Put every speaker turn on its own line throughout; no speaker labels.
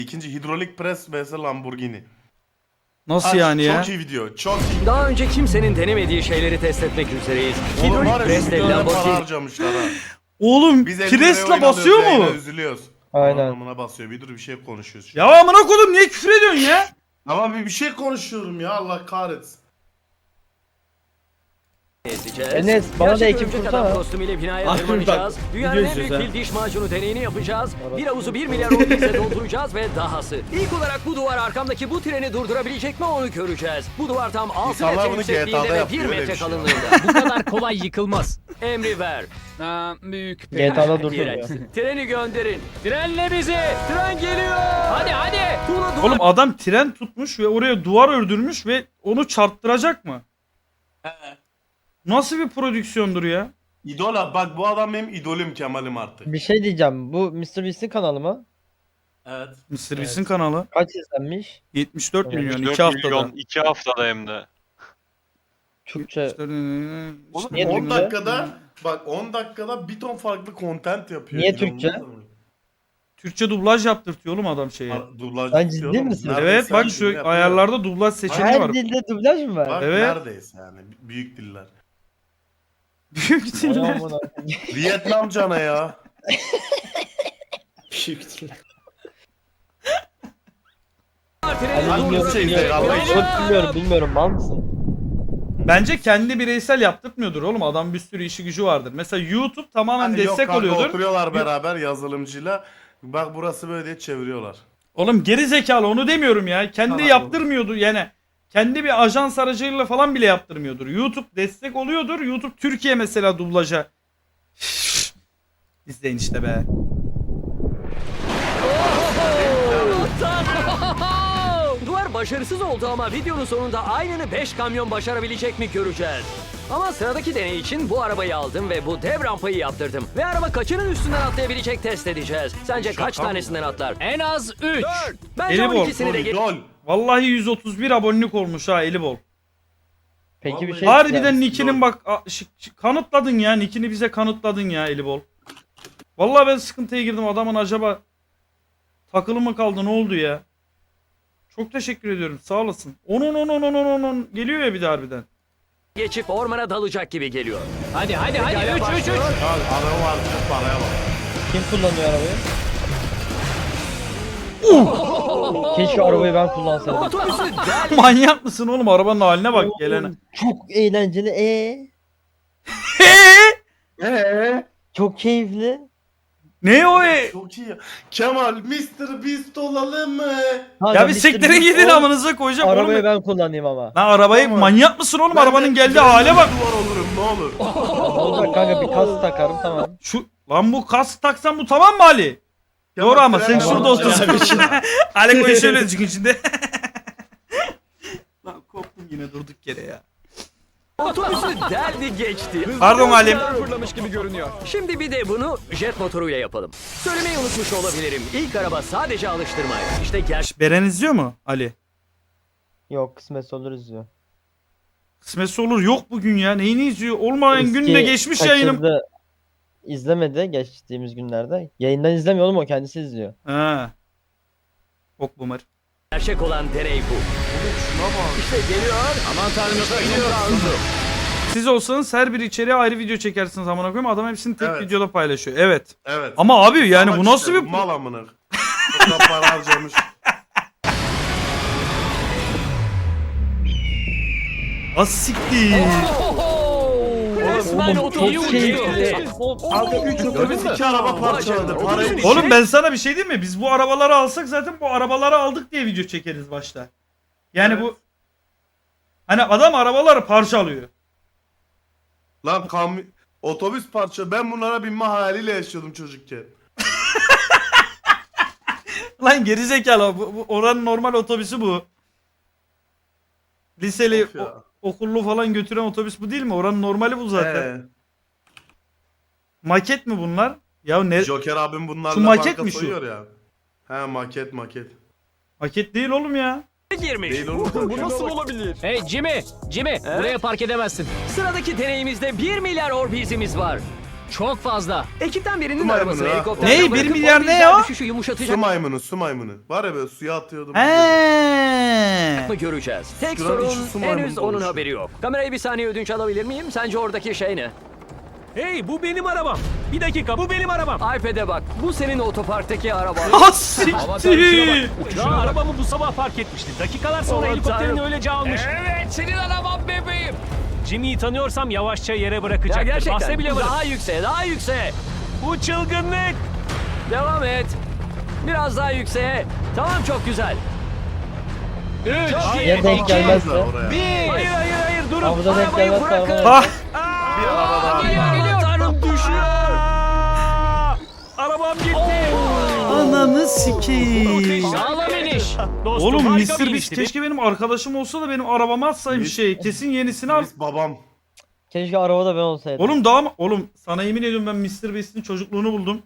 İkinci hidrolik pres vs Lamborghini.
Nasıl yani ya?
Çok iyi video. Çok iyi.
Daha önce kimsenin denemediği şeyleri test etmek üzereyiz.
Oğlum var
Hidrolik
ya
presle
videolara para
Lamborghini.
harcamışlar ha.
Oğlum
Biz 50 liraya
presle
oyun
basıyor
alıyoruz,
mu?
yayına üzülüyoruz.
Aynen.
Anlamına basıyor. Bir dur bir şey konuşuyoruz. Şimdi.
Ya amına koydum niye küfür ediyorsun ya?
Ama bir şey konuşuyorum ya Allah kahretsin.
Ezeceğiz.
Enes, bana da
Gerçek
ekip
örümcek
tutsana.
adam kostümüyle binaya
Abi
tırmanacağız.
bak,
Dünyanın
video
en büyük
izliyoruz
fil diş macunu deneyini yapacağız. Bir havuzu 1 milyar rupiyle dolduracağız ve dahası. İlk olarak bu duvar arkamdaki bu treni durdurabilecek mi onu göreceğiz. Bu duvar tam 6
İnsanlar
metre
bunu
yüksekliğinde
GTA'da
ve
yapıyor,
1
öyle
metre
bir şey.
kalınlığında.
Bu kadar kolay yıkılmaz.
Emri ver.
Büyük
GTA'da dursun
İğrenç.
ya.
Treni gönderin.
Trenle bizi.
Tren geliyor.
Hadi.
Tuğla duvar.
Oğlum adam tren tutmuş ve oraya duvar ördürmüş ve onu çarptıracak mı? Nasıl bir prodüksiyondur ya?
İdol abi bak bu adam benim idolüm Kemal'im artık.
Bir şey diyeceğim. Bu Mr. Beast'in kanalı mı?
Evet.
Mr. Beast'in kanalı.
Kaç izlenmiş?
74 milyon
74
2 haftada.
milyon 2 haftada hem de.
Türkçe.
Oğlum
Niye
10
Türkçe?
dakikada bak 10 dakikada bir ton farklı content yapıyor.
Niye
İnanılmaz
Türkçe?
ama.
Türkçe dublaj yaptırtıyor oğlum adam şeye.
Dublaj
Sen
yapıyor
ciddi
oğlum.
misin?
Neredeyse
Evet bak
her
şu
dilde yapıyor.
ayarlarda dublaj seçeneği
Her
var.
dilde dublaj mı var?
Bak
Evet.
neredeyse yani büyük diller.
Büyük diller.
Aman Allah'ım.
Vietnam cana ya.
Büyük diller.
Treni
Hani bilmiyorum,
Rusça izle,
bilmiyorum.
Allah için.
Bilmiyorum. Mal mısın?
Bence kendi bireysel yaptırtmıyordur oğlum. Adam bir sürü işi gücü vardır. Mesela YouTube tamamen
Hani
destek
yok kanka,
oluyordur.
oturuyorlar beraber yazılımcıyla. Bak burası böyle diye çeviriyorlar.
Oğlum geri zekalı onu demiyorum ya. Kendi
Tamam.
yaptırmıyordu yani. Kendi bir ajans aracılığıyla falan bile yaptırmıyordur. YouTube destek oluyordur. YouTube Türkiye mesela dublaja. İzleyin işte be.
Duvar başarısız oldu ama videonun sonunda aynını 5 kamyon başarabilecek mi göreceğiz. Ama sıradaki deney için bu arabayı aldım ve bu dev rampayı yaptırdım. Ve araba kaçının üstünden atlayabilecek test edeceğiz. Sence kaç
Şaka mı?
tanesinden atlar?
En az 3.
Bence
Eli bol,
12'sini de
İdol.
Vallahi 131 abonelik olmuş ha eli bol.
Peki bir
Vallahi-
şey
Harbiden
diyeceğim.
Nick'inin bak kanıtladın ya. Nick'ini bize kanıtladın ya eli bol. Vallahi ben sıkıntıya girdim. Adamın acaba takılı mı kaldı ne oldu ya? Çok teşekkür ediyorum. Sağ olasın. Onun geliyor ya bir de harbiden.
geçip ormana dalacak gibi geliyor.
Hadi.
Pekala,
3.
başlıyor.
Ya araba var paraya bak.
Kim kullanıyor arabayı? Keşke arabayı ben kullansaydım.
Otobüsü del.
Manyak mısın oğlum? Arabanın haline bak gelene.
Çok eğlenceli. Çok keyifli.
Ne o
Çok iyi ya. Kemal Mr. Beast olalım mı?
Ya bir sektere gidin amınıza koyacağım
Arabayı
oğlum.
ben kullanayım ama.
Lan arabayı
Tamam.
manyak mısın oğlum?
Ben
Arabanın
de-
geldiği
ben de
hale bak.
Duvar olurum ne olur.
Olacak kanka bir kas takarım tamam.
Şu lan bu kask taksan bu tamam mı Ali? Doğru ama sen
trenle
şurada
olacak.
otursun. Ali koyu şöyle çıkın şimdi. Lan korktum yine durduk yere ya.
Otobüsü deldi geçti.
Pardon Halim.
Fırlamış gibi görünüyor. Şimdi bir de bunu jet motoruyla yapalım. Söylemeyi unutmuş olabilirim. İlk araba sadece alıştırmaydı. İşte gerçek.
Beren izliyor mu Ali?
Yok kısmetse olur izliyor.
Kısmetse olur yok bugün ya. Neyini izliyor? Olmayan
Eski
günde geçmiş yayınım.
kaçırdı, İzlemedi geçtiğimiz günlerde. Yayından izlemiyor oğlum o kendisi izliyor.
Ha. Bok boomer.
Gerçek olan deney bu. İşte geliyor. Aman tanrım geliyor.
Siz olsanız her bir içeriğe ayrı video çekersiniz amına koyayım. Adam hepsini tek
Evet.
videoda paylaşıyor. Evet.
Evet.
Ama abi yani bu
Ama
nasıl
işte,
bir
mal amına. O kadar para harcamış.
asiktir.
Resmen
Oğlum,
otobüs
çok
uçuyor.
keyifli.
Abi 3 otobüs 2 araba parçaladı. Parayı düşün.
Oğlum ben sana bir şey diyeyim mi? Biz bu arabaları alsak zaten bu arabaları aldık diye video çekeriz başta. Yani
Evet.
bu hani adam arabaları parçalıyor.
Lan otobüs parça. Ben bunlara binme hayaliyle yaşıyordum çocukken.
Lan gerizekalı bu oranın normal otobüsü bu. Liseli
Of ya.
okullu falan götüren otobüs bu değil mi? Oranın normali bu zaten. Maket mi bunlar? Ya ne?
Joker abim bunlarla
Şu maket
banka
mi şu?
soyuyor ya. He maket.
Maket değil oğlum ya.
girmiş.
Değil oğlum.
Bu nasıl olabilir?
Hey Jimmy. Buraya park edemezsin.
Sıradaki deneyimizde 1 milyar orbizimiz var.
Çok fazla.
Ekipten birinin
Su
arabasını
maymunu ha.
helikopterden
Ne? Bir
bırakıp
milyar
o
ne
rüzgar
o?
düşüşü yumuşatacak
Su maymunu, su maymunu. Var ya böyle suya atıyordum.
He.
mı göreceğiz. Tek
Şuranın içi
sorun
su maymunu
henüz onun
oluşuyor.
haberi yok. Kamerayı bir saniye ödünç alabilir miyim? Sence oradaki şey ne?
Hey bu benim arabam. Bir dakika bu benim arabam.
iPad'e bak. Bu senin otoparktaki araban.
Ah siktir.
Daha arabamı bu sabah fark etmiştim. Dakikalar sonra
Aman
helikopterini
tanrım.
öylece almış.
Evet senin arabam bebeğim.
Jimmy'yi tanıyorsam yavaşça yere
Ya
bırakacaktır.
gerçekten.
Bahse bile varım.
Daha yükseğe, daha yükseğe.
Bu çılgınlık.
Devam et. Biraz daha yükseğe. Tamam, çok güzel.
3,
Çok iyi.
Ya denk gelmezse.
Oraya.
Hayır hayır hayır durun.
Havada denk
Arabayı
gelmezse
bırakın.
araba.
Ah.
Bir araba daha.
geliyor.
Tanrım düşüyor.
Arabam gitti.
Ananı sikeyim.
Sağlam iniş.
Dostum,
Oğlum
harika bir
Mr. Beast
inişti.
keşke benim arkadaşım olsa da benim arabama atsaymış
Mis-
şey. Kesin yenisini al.
Biz babam.
Keşke arabada ben olsaydım.
Oğlum daha mı? Oğlum sana yemin ediyorum ben Mr. Beast'in çocukluğunu buldum.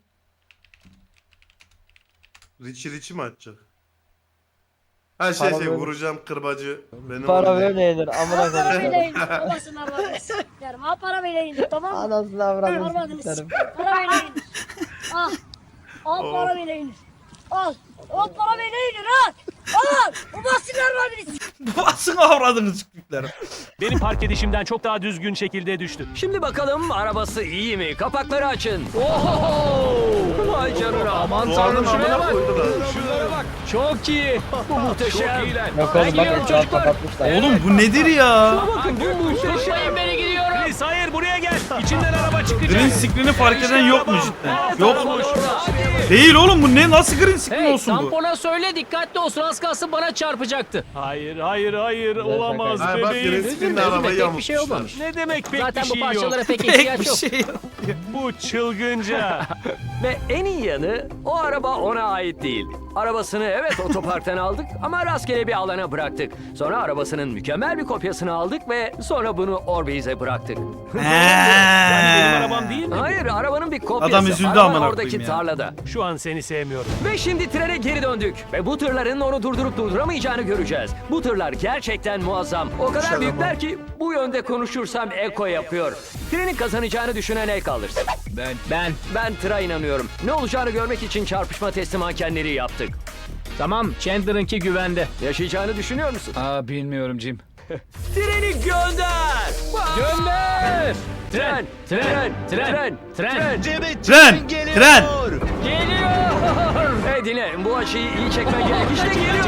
Richie mi açacak? Her
Para
şey
böyle-
vuracağım kırbacı. Beni
Para
vuracak.
böyle yenir. Amına
Al para
koyayım.
böyle indir. Babasını avradını s**erim. Al para böyle indir, tamam mı?
Anasını avradını
Avradını
s**erim.
s**erim. Para böyle indir. Al. Al para böyle indir. Al. Al para böyle indir, al. Al. Bu basınlar var beni s**erim.
Basın avradınız çıktıkları.
Benim park edişimden çok daha düzgün şekilde düştü.
Şimdi bakalım arabası iyi mi? Kapakları açın. Oho! Vay canına. Aman
Doğanın
tanrım, şuraya
amına
bak.
koydular.
Şuraya bak. Çok iyi. Bu muhteşem.
Yok
Ben
oğlum bak
gidiyorum
etrafı
çocuklar.
kapatmışlar.
Oğlum bu nedir ya?
Bakın bu muhteşem.
Tutmayın beni gidiyorum.
Chris hayır buraya gel. İçinden araba çıkacak.
Green screen'i fark eden yok mu cidden? Yok.
Hadi.
Değil oğlum bu ne? Nasıl green screen
Hey
olsun bu?
tampona söyle dikkatli olsun az kalsın bana çarpacaktı.
Hayır hayır hayır olamaz
Ha bak
bebeğim.
Reskin'le
Üzülme,
arabayı
pek bir şey
yamutmuşlar.
olmamış.
Ne demek pek
Zaten
bir
bu
şey yok.
parçalara pek
Pek
ihtiyaç
bir
yok.
şey yok.
Bu çılgınca.
Ve en iyi yanı o araba ona ait değil. Arabasını evet otoparktan aldık ama rastgele bir alana bıraktık. Sonra arabasının mükemmel bir kopyasını aldık ve sonra bunu Orbeez'e bıraktık.
Yani benim arabam değil mi?
Hayır, arabanın bir kopyası.
Adam üzüldü
Araba
amına
oradaki
koyayım ya.
tarlada.
Şu an seni sevmiyorum.
Ve şimdi trene geri döndük. Ve bu tırların onu durdurup durduramayacağını göreceğiz. Bu tırlar gerçekten muazzam. O kadar
Şaka
büyükler ki bu yönde konuşursam eko yapıyor. Trenin kazanacağını düşünen el kaldırsın. Ben tıra inanıyorum. Ne olacağını görmek için çarpışma testi mankenleri yaptık.
Tamam Chandler'ınki güvende.
Yaşayacağını düşünüyor musun?
Aa bilmiyorum Jim.
Treni gönder!
Gönder!
Tren!
Tren! Tren! Tren!
Tren! Tren!
Geliyor!
Hey dinle, bu açıyı iyi çekmen gerek. İşte geliyor.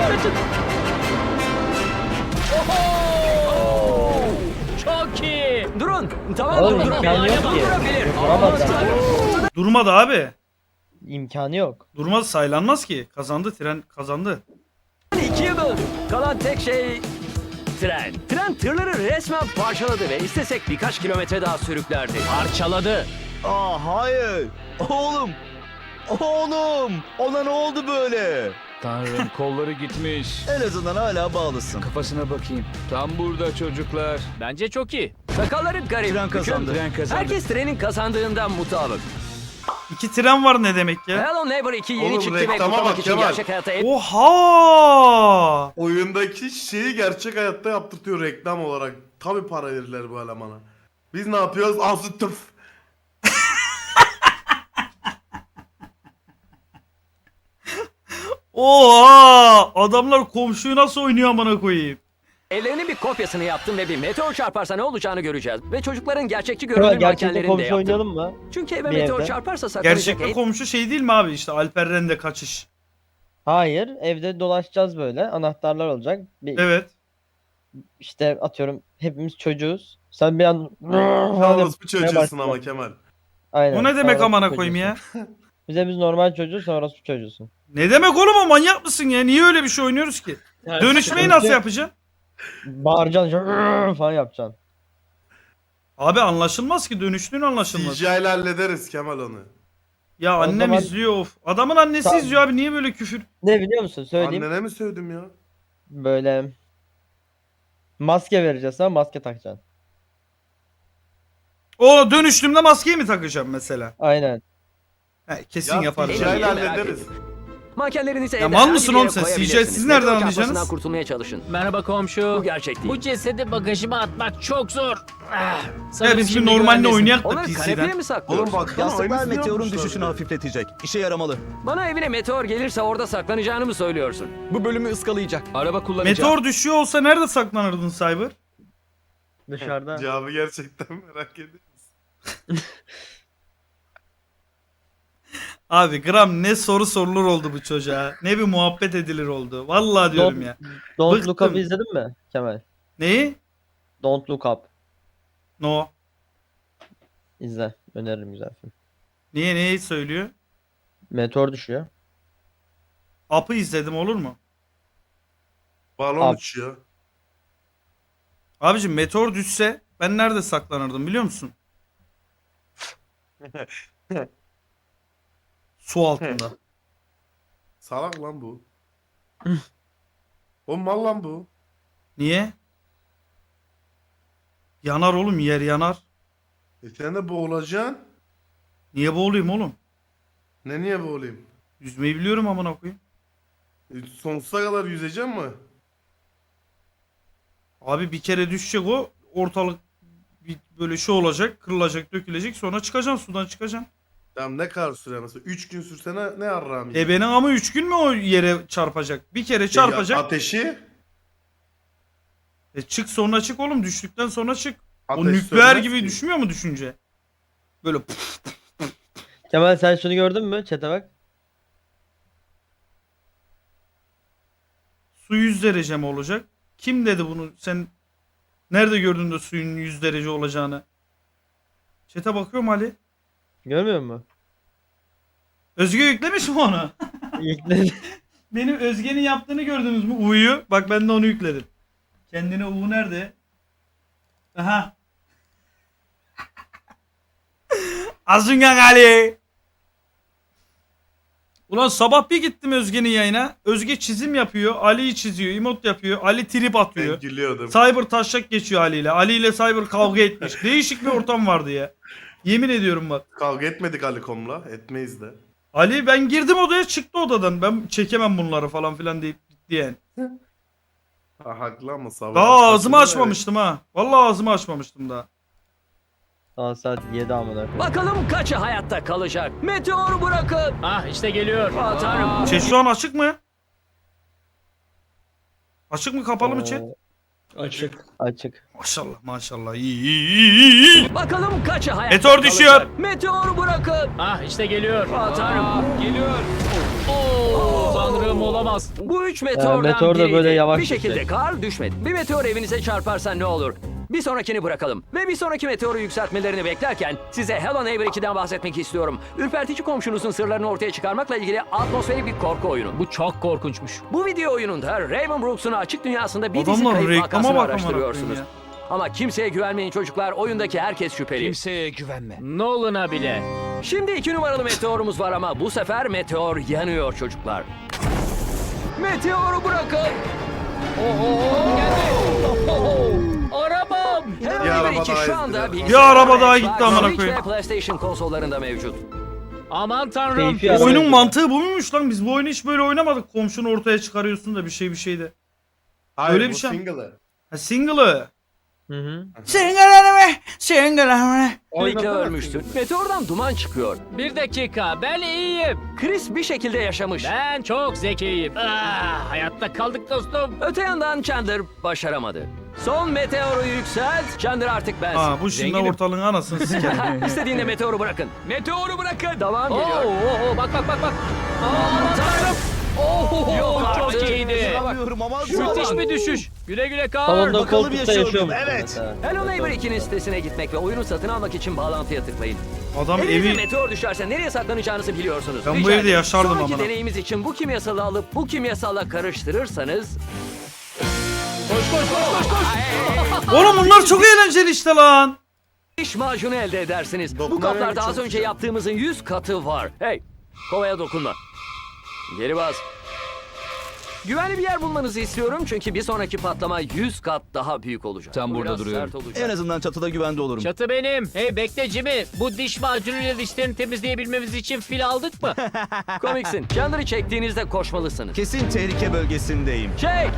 Oho! Çok iyi!
Durun. Tamam,
Oğlum
durdurabilir.
imkanı yok ki.
Durdurabilir.
Durduramaz zaten.
Durmadı abi.
İmkanı yok.
Durmaz saylanmaz ki. Kazandı tren kazandı.
2'ye böldük. Kalan tek şey tren. Tren tırları resmen parçaladı ve istesek birkaç kilometre daha sürüklerdi.
Parçaladı.
Aa hayır. Oğlum. Oğlum. Ona ne oldu böyle?
Tanrım kolları gitmiş.
En azından hala bağlısın.
Kafasına bakayım. Tam burada çocuklar. Bence çok iyi.
Sakalları garip.
Tren kazandı.
Tren kazandı.
Herkes trenin kazandığından mutabık.
İki tren var ne demek ya?
Hello Neighbor 2 yeni
Oğlum,
çıktı ve
reklama
kutlamak
bak
için
Kemal.
gerçek hayatta
Oha!
Oyundaki şeyi gerçek hayatta yaptırtıyor reklam olarak. Tabi para verirler bu elemana. Biz ne yapıyoruz? Azı tıf.
Oha! Adamlar komşuyu nasıl oynuyor amına koyayım?
Evlerinin bir kopyasını yaptım ve bir meteor çarparsa ne olacağını göreceğiz. Ve çocukların gerçekçi
Şöyle
görünüm
gerçekten
mankenlerini de
komşu
yaptım.
oynayalım mı?
Çünkü eve
Bir
meteor
evde.
çarparsa saklanacak
Gerçekte komşu şey değil mi abi işte Alper Rende kaçış.
Hayır. Evde dolaşacağız böyle. Anahtarlar olacak. Bir,
Evet.
işte atıyorum hepimiz çocuğuz. Sen bir an
Yalnız bu çocuğusun
başlıyor.
ama Kemal.
Aynen.
O ne demek
Orospu
amına koyayım
çocuğusun.
ya?
Biz normal çocuğuz, sonra orospu çocuğusun.
Ne demek oğlum o manyak mısın ya? Niye öyle bir şey oynuyoruz ki? Dönüşmeyi nasıl yapacaksın?
Bağıracaksın şöyle falan yapacaksın.
Abi anlaşılmaz ki dönüştüğün anlaşılmaz.
CGI ile hallederiz Kemal onu.
Ya
O
annem
zaman-
izliyor of. Adamın annesi
Tamam.
izliyor abi niye böyle küfür?
Ne biliyor musun? Söyleyeyim.
Annene mi sövdüm ya?
Böyle maske vereceğiz sana, maske takacaksın.
O dönüştüğümde maskeyi mi takacağım mesela?
Aynen.
He, kesin
Ya
yaparız.
CGI ile
Merak
hallederiz.
Mankenlerinizi
Ya
evde
mal mısın
herhangi bir
oğlum
yere
sen?
koyabilirsiniz.
Siz nereden
Meteor
anlayacaksınız?
çarpmasından kurtulmaya çalışın.
Merhaba komşu.
Bu gerçek değil.
Bu cesedi bagajıma atmak çok zor.
Ya
Sanırım
biz bir
şimdi
normalde
güvendesin.
oynayak da
Onları kanepeye
PC'den.
mi saklıyorsun?
Oğlum baksana
Yastıklar
aynısını
meteorun
yapmışlar
düşüşünü
ya.
hafifletecek. İşe yaramalı.
Bana evine meteor gelirse orada saklanacağını mı söylüyorsun?
Bu bölümü ıskalayacak. Araba kullanacağım.
Meteor düşüyor olsa nerede saklanırdın Cyber?
Dışarıda.
Cevabı gerçekten merak ediyorum.
Abi gram ne soru sorulur oldu bu çocuğa. Ne bir muhabbet edilir oldu. Vallahi diyorum ya.
Don't Look
Bıktım.
Up'ı izledin mi Kemal?
Neyi?
Don't Look Up.
No.
İzle. Öneririm, güzel film.
Niye neyi söylüyor?
Meteor düşüyor.
Up'ı izledim olur mu?
Balon
Abi.
uçuyor.
Abicim meteor düşse ben nerede saklanırdım biliyor musun? Su altında.
Salak lan bu. O mal lan bu.
Niye? Yanar oğlum, yer yanar.
Sen de boğulacaksın.
Niye boğulayım oğlum?
Niye boğulayım?
Yüzmeyi biliyorum amına koyayım.
Sonsuza kadar yüzeceğim mi?
Abi bir kere düşecek o, ortalık bir böyle şey olacak, kırılacak, dökülecek, sonra çıkacaksın, sudan çıkacaksın.
Tamam, ne kadar süre mesela? 3 gün sürse ne yarrağım
E benim ama 3 gün mü o yere çarpacak? Bir kere çarpacak.
Ateşi?
Çık sonra çık oğlum, düştükten sonra çık. O
Ateş
nükleer
sönmez
gibi
ki.
düşmüyor mu düşünce? Böyle puf.
Kemal sen şunu gördün mü? Chat'e bak.
Su 100 derece mi olacak? Kim dedi bunu? Sen nerede gördün de suyun 100 derece olacağını? Chat'e bakıyorum Ali.
Görmüyor musun?
Özge yüklemiş mi onu?
Yükledi.
Benim Özge'nin yaptığını gördünüz mü? U'yu. Bak ben de onu yükledim. Kendine U nerede? Aha. Azıngan Ali. Ulan sabah bir gittim Özge'nin yayına. Özge çizim yapıyor. Ali'yi çiziyor. Emot yapıyor. Ali trip
Ben
atıyor.
gülüyordum.
Cyber taşak geçiyor Ali ile. Ali ile Cyber kavga etmiş. Değişik bir ortam vardı ya. Yemin ediyorum bak.
Kavga etmedik Alikom'la. Etmeyiz de.
Ali ben girdim odaya, çıktı odadan. Ben çekemem bunları falan filan deyip gitti yani.
Ha, haklı ama sabah.
Daha ağzımı açmamıştım ha. Vallahi ağzımı açmamıştım daha.
Daha saat 7 amına koyayım.
Bakalım kaçı hayatta kalacak? Meteor bırakın.
Ah işte geliyor.
Aa, tanrım.
Chat şu an açık mı? Açık mı kapalı mı chat?
Açık.
Açık.
Maşallah maşallah iyi.
Bakalım kaçı hayatta
Meteor
kalacak?
düşüyor.
Meteor bırakın.
Ah işte geliyor.
Aa, tanrım.
Geliyor.
Oo, tanrım olamaz.
Bu üç meteordan
meteor da
biriydi.
böyle yavaş
Bir şekilde
düşecek.
kar düşmedi. Bir meteor evinize çarparsa ne olur? Bir sonrakini bırakalım. Ve bir sonraki meteoru yükseltmelerini beklerken size Hello Neighbor 2'den bahsetmek istiyorum. Ürpertici komşunuzun sırlarını ortaya çıkarmakla ilgili atmosferik bir korku oyunu.
Bu çok korkunçmuş.
Bu video oyununda Raven Brooks'un açık dünyasında bir dizi
Adamlar
kayıp
reklama
vakasını
bak amına
araştırıyorsunuz.
koyayım
Ama kimseye güvenmeyin çocuklar. Oyundaki herkes şüpheli.
Kimseye güvenme.
Nolan'a bile.
Şimdi 2 numaralı meteorumuz var ama bu sefer meteor yanıyor çocuklar. Meteoru bırakın.
Arabam.
Hello
Bir araba
Neighbor 2
daha
şu anda
ezdiler.
bilgisayar,
araba daha
Xbox,
gitti amına
Switch
koyayım.
ve PlayStation konsollarında mevcut.
Aman tanrım.
Keyfi
Ya.
araba
Oyunun
yazıyor.
mantığı bu muymuş lan? Biz bu oyunu hiç böyle oynamadık. Komşunu ortaya çıkarıyorsun da bir şey de.
Hayır,
Öyle
bu
bir şey.
single'ı.
Ha single'ı.
Hı hı.
Single.
Birlikte ölmüştün. Meteordan duman çıkıyor.
Bir dakika ben iyiyim.
Chris bir şekilde yaşamış.
Ben çok zekiyim. Ah, hayatta kaldık dostum.
Öte yandan Chandler başaramadı. Son meteoru yükselt. Chandler artık bensin.
Ha bu şimdi
Zenginim.
ortalığın anasını siker.
İstediğinde meteoru bırakın.
Meteoru bırakın.
Devam
Oo,
geliyor.
bak.
Aman tanrım.
Oh,
Yok
çok
artık.
iyiydi.
Kırmamaz
Müthiş bir düşüş. Güle güle kal.
Salonda
bakalım
koltukta
yaşıyor
yaşıyormuş.
mu? Evet.
mesela.
Hello Neighbor 2'nin sitesine gitmek ve oyunu satın almak için bağlantıya tıklayın.
Adam
Evinize
evi
meteor düşerse nereye saklanacağınız biliyorsunuz.
Ben bu
Rica
evde
ederim.
yaşardım
Sonraki
amına.
deneyimiz için bu kimyasalı alıp bu kimyasalla karıştırırsanız...
Oğlum bunlar çok eğlenceli işte lan.
diş macunu elde edersiniz. Bu
Dokunamıyorum,
kaplarda
çok
az önce
güzel.
yaptığımızın 100 katı var. Hey, kovaya dokunma. Geri bas. Güvenli bir yer bulmanızı istiyorum çünkü bir sonraki patlama 100 kat daha büyük olacak.
Tam
Bu
burada
biraz
duruyorum.
sert olacak.
En azından çatıda güvende olurum.
Çatı benim. Hey bekle Jimmy. Bu diş macunuyla dişlerini temizleyebilmemiz için fil aldık mı?
Komiksin. Chandler'ı çektiğinizde koşmalısınız.
Kesin tehlike bölgesindeyim.
Çek!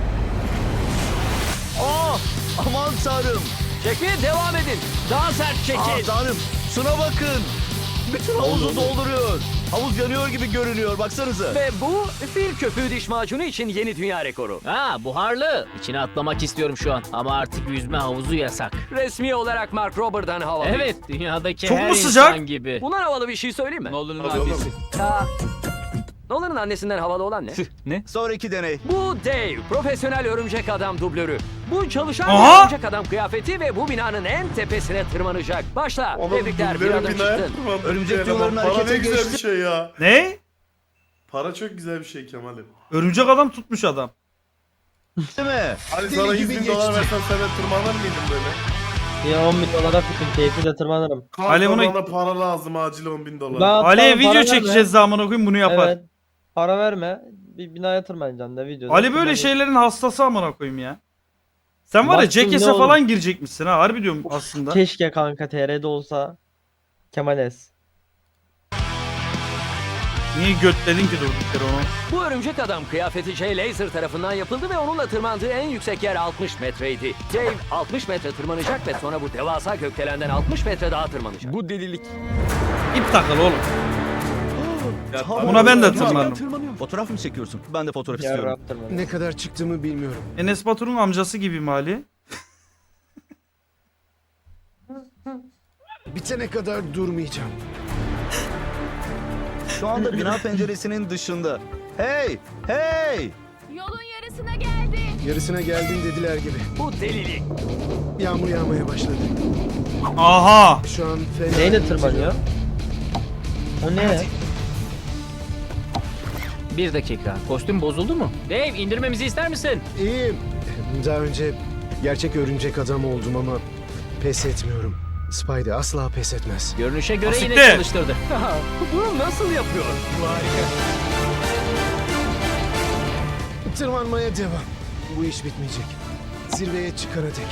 Aman tanrım.
Çekmeye devam edin. Daha sert çekin.
Tanrım. Şuna bakın. Bütün havuzu dolduruyor. Havuz yanıyor gibi görünüyor. Baksanıza.
Ve bu fil köpüğü diş macunu için yeni dünya rekoru.
Ha buharlı. İçine atlamak istiyorum şu an. Ama artık yüzme havuzu yasak.
Resmi olarak Mark Robert'dan havalı.
Evet dünyadaki
Çok
her
mu sıcak?
insan gibi.
Bundan havalı bir şey söyleyeyim mi?
Nolan'ın
Hadi oğlum.
annesi.
Ya, Nolan'ın annesinden havalı olan ne?
Ne?
Sonraki deney.
Bu Dave, profesyonel örümcek adam dublörü. Bu çalışan
Aha!
bir örümcek adam kıyafeti ve bu binanın en tepesine tırmanacak. Başla.
Oğlum
Tebrikler, bir
dubleri
adım
binaya
çıktın.
tırmandı.
Örümcek
Eleman.
yuvalarının
Para
harekete
ne güzel
geçti.
bir şey ya.
Ne?
Para çok güzel bir şey Kemal'im.
Örümcek adam tutmuş adam.
Değil mi?
Hani
Deli
sana
gibi
100 bin
geçti.
dolar versem sen de tırmanır mıydın böyle?
Bir 10 bin dolara bütün keyifle tırmanırım.
Kanka
Ali bunu-
bana para lazım acil 10 bin dolar.
Ben-
Ali'ye
Tamam,
video
para
çekeceğiz zaman okuyayım bunu yapar.
Evet. Para verme. Bir binaya tırmanacaksın da videoda.
Ali böyle
tırmanacaksın.
şeylerin hastası amına koyayım ya. Sen var ya
Baktım,
Jackass'e
ne olur.
falan girecekmişsin ha harbi diyorum aslında.
Keşke kanka TR'de olsa. Kemales.
Niye götledin ki durduk yere onu?
Bu örümcek adam kıyafeti Jay Laser tarafından yapıldı ve onunla tırmandığı en yüksek yer 60 metreydi. Dave 60 metre tırmanacak ve sonra bu devasa gökdelenden 60 metre daha tırmanacak.
Bu delilik.
İp takılı oğlum.
Ya,
Buna ben de
tamam.
tırmanırım.
Fotoğraf mı çekiyorsun? Ben de fotoğraf istiyorum.
Yarrab tırmanır.
Ne kadar çıktığımı bilmiyorum.
Enes Batur'un amcası gibi mi Ali?
Bitene kadar durmayacağım.
Şu anda bina penceresinin dışında. Hey! Hey!
Yolun yarısına geldi.
Yarısına geldin dediler gibi.
Bu delilik.
Yağmur yağmaya başladı.
Aha!
Şu an fena.
Neyle tırmanıyor? O ne?
Bir dakika. Kostüm bozuldu mu? Dave indirmemizi ister misin?
İyiyim. Daha önce gerçek örümcek adam oldum ama pes etmiyorum. Spidey asla pes etmez.
Görünüşe göre yine
Asiktir.
çalıştırdı.
Bunu nasıl yapıyor?
Tırmanmaya devam. Bu iş bitmeyecek. Zirveye çıkana dek.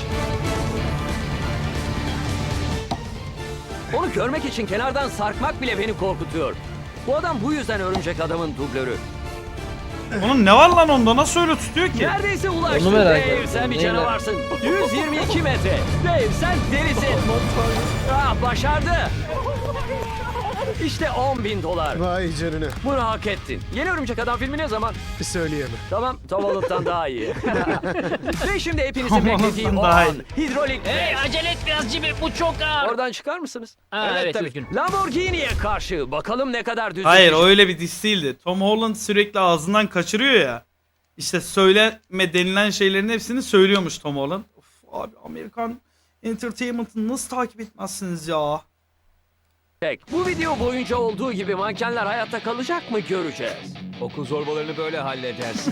Onu görmek için kenardan sarkmak bile beni korkutuyor. Bu adam bu yüzden örümcek adamın dublörü.
Onun ne var lan onda nasıl öyle tutuyor ki?
Neredeyse ulaştın
Onu merak
Dave.
ettim.
Sen bir
Neyle?
canavarsın. 122 metre. Dave sen delisin. Başardı. İşte 10 bin dolar.
Vay canına.
Bunu hak ettin. Yeni Örümcek Adam filmi ne zaman?
Söyleyemem.
Tamam, Tavalık'tan daha iyi. Ve şimdi hepinizin
Tavalık'tan
beklediği o
daha
an.
iyi.
Hidrolik
Hey
pres.
acele et biraz Jimmy. Bu çok ağır.
Oradan çıkar mısınız?
Ha, evet, üzgünüm.
Lamborghini'ye karşı. Bakalım ne kadar düzgün.
Hayır o öyle bir diss değildi. Tom Holland sürekli ağzından kaçırıyor ya. İşte söyleme denilen şeylerin hepsini söylüyormuş Tom Holland. Of abi Amerikan Entertainment'ı nasıl takip etmezsiniz ya?
Tek. Bu video boyunca olduğu gibi mankenler hayatta kalacak mı göreceğiz.
Okul zorbalarını böyle halledersin.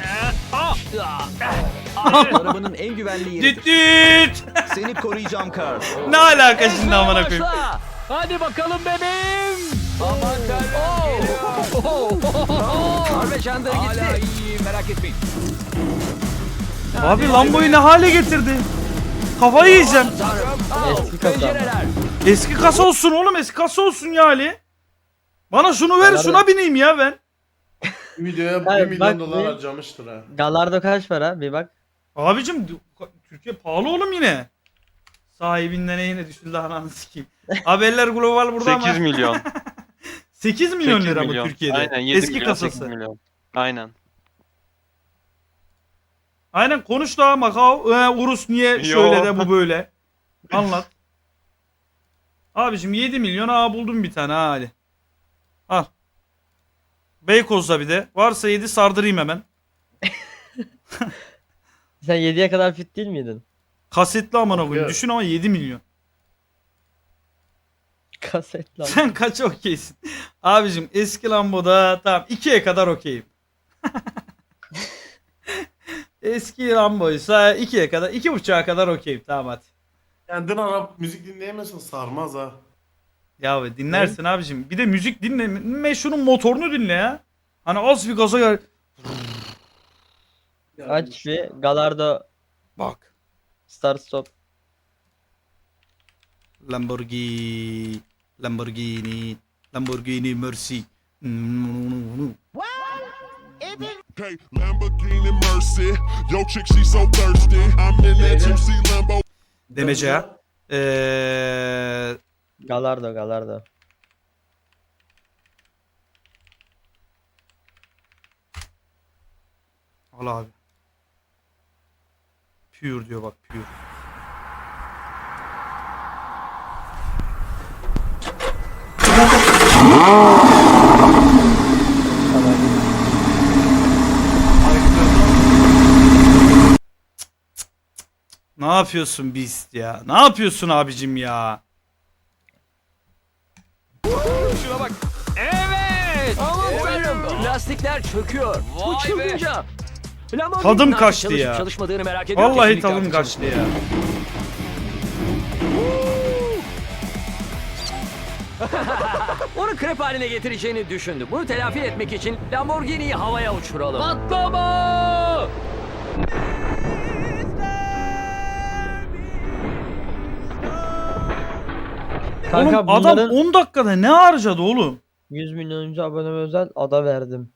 Arabanın en güvenli yeri.
Düt düt.
Seni koruyacağım Carl.
Ne alaka şimdi amına koyayım?
Başla.
Hadi bakalım bebeğim.
Aman
Carl ve Chandler gitti.
iyi merak etmeyin.
Abi Lambo'yu ne hale getirdi? Kafayı yiyeceğim.
Eski kasa.
Pencereler.
Eski kasa olsun oğlum eski kasa olsun ya Ali. Bana şunu ver
Beraber-
şuna bineyim ya ben.
Videoya 1
Hayır,
milyon
bak
dolar
bir-
harcamıştır ha.
Galardo kaç para? Bir bak.
Abicim Türkiye pahalı oğlum yine. Sahibinden yine düşüldü ananı sikeyim. Haberler global burada ama.
8 milyon.
8 milyon
8
lira
milyon.
mı Türkiye'de?
Aynen 7
Eski
milyon, 8
kasası.
milyon. Aynen.
Aynen konuş da Macau. Urus niye şöyle de bu böyle. Anlat. Abicim 7 milyon buldum bir tane ha Ali. Al. Beykoz'da bir de. Varsa 7 sardırayım hemen.
Sen 7'ye kadar fit değil miydin?
Kasetli amına koyayım.
Evet.
Düşün ama 7 milyon.
Kaset lan.
Sen kaç okeysin? Abicim eski Lambo'da tamam 2'ye kadar okeyim. Eski Lambo'ysa 2'ye kadar 2.5'a kadar okeyim tamam hadi.
Kendin Arap müzik dinleyemiyorsan sarmaz ha.
Ya be, dinlersin abicim. Bir de müzik dinleme şunun motorunu dinle ya. Hani az bir gaza gel.
Aç bir Gallardo
Bak.
Start Stop.
Lamborghini Mercy.
Okay, Lamborghini Mercy. Yo, chick, she so thirsty. I'm in that 2C Lambo.
Demece ya.
Gallardo.
Al abi. Pure diyor bak, pure. Ne yapıyorsun Beast ya? Ne yapıyorsun abicim ya?
Şuna bak.
Evet. Aman tanrım. Lastikler çöküyor. Bu
Vay be.
çılgınca. Lamborghini'nin
Tadım
artık
kaçtı
çalışıp
ya.
Çalışmadığını merak ediyorum.
Vallahi
Kesinlikle
tadım
artık
kaçtı ya.
Onu krep haline getireceğini düşündü. Bunu telafi etmek için Lamborghini'yi havaya uçuralım.
Patlama!
Kanka
Oğlum adam
bunların
10 dakikada ne harcadı oğlum?
100 milyonuncu abone özel ada verdim.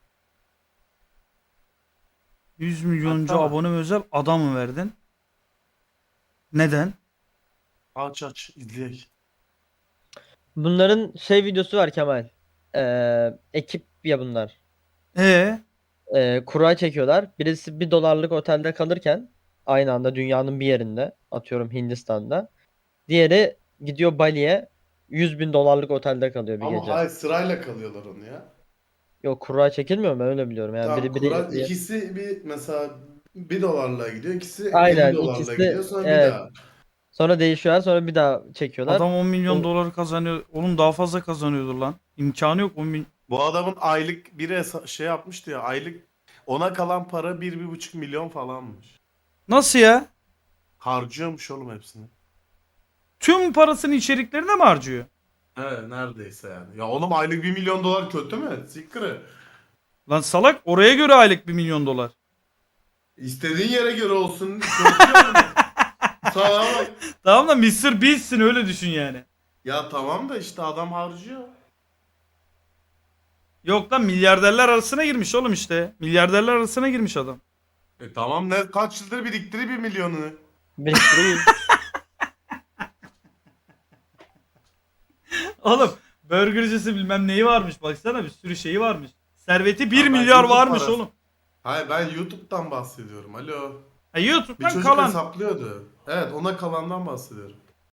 100 milyoncu
Hatta-
abone özel adamı verdin. Neden?
Aç izleyek.
Bunların videosu var Kemal. Ekip ya bunlar.
E
Kura çekiyorlar. Birisi $1 otelde kalırken aynı anda dünyanın bir yerinde, atıyorum Hindistan'da. Diğeri gidiyor Bali'ye, $100.000 otelde kalıyor bir
Ama
gece.
hayır, sırayla kalıyorlar onu ya.
Yok, kura çekilmiyor mu? Öyle biliyorum. Yani
Tamam,
biri
Kur'an ikisi bir mesela $1 gidiyor, ikisi
Aynen,
50 dolarla
ikisi-
gidiyor, sonra
evet.
bir daha.
sonra değişiyorlar, sonra bir daha çekiyorlar.
adam 10 milyon
O-
doları kazanıyor. Oğlum daha fazla kazanıyordur lan. İmkanı yok 10 milyon.
Bu adamın aylık biri şey yapmıştı ya, aylık ona kalan para 1-1,5 milyon falanmış.
Nasıl ya?
Harcıyormuş oğlum hepsini.
Tüm parasını içeriklerine mi harcıyor?
Evet, neredeyse yani. Ya oğlum, aylık 1 milyon dolar kötü mü? Sikri.
Lan salak, oraya göre aylık 1 milyon dolar.
İstediğin yere göre olsun. Kötü mü? Tamam.
Tamam da Mr. Beast'sin, öyle düşün yani.
Ya tamam da işte adam harcıyor.
Yok lan, milyarderler arasına girmiş oğlum işte. Milyarderler arasına girmiş adam.
Tamam, ne kaç yıldır biriktiri 1 milyonu.
Biriktiriyor.
Oğlum burgercisi bilmem neyi varmış, baksana bir sürü şeyi varmış. Serveti 1
Ya ben
milyar
YouTube
varmış
parası-
oğlum.
Hayır, ben YouTube'dan bahsediyorum. Alo.
Ha,
Bir
YouTube'dan
çocuk
kalan.
hesaplıyordu. Evet, ona kalandan bahsediyorum.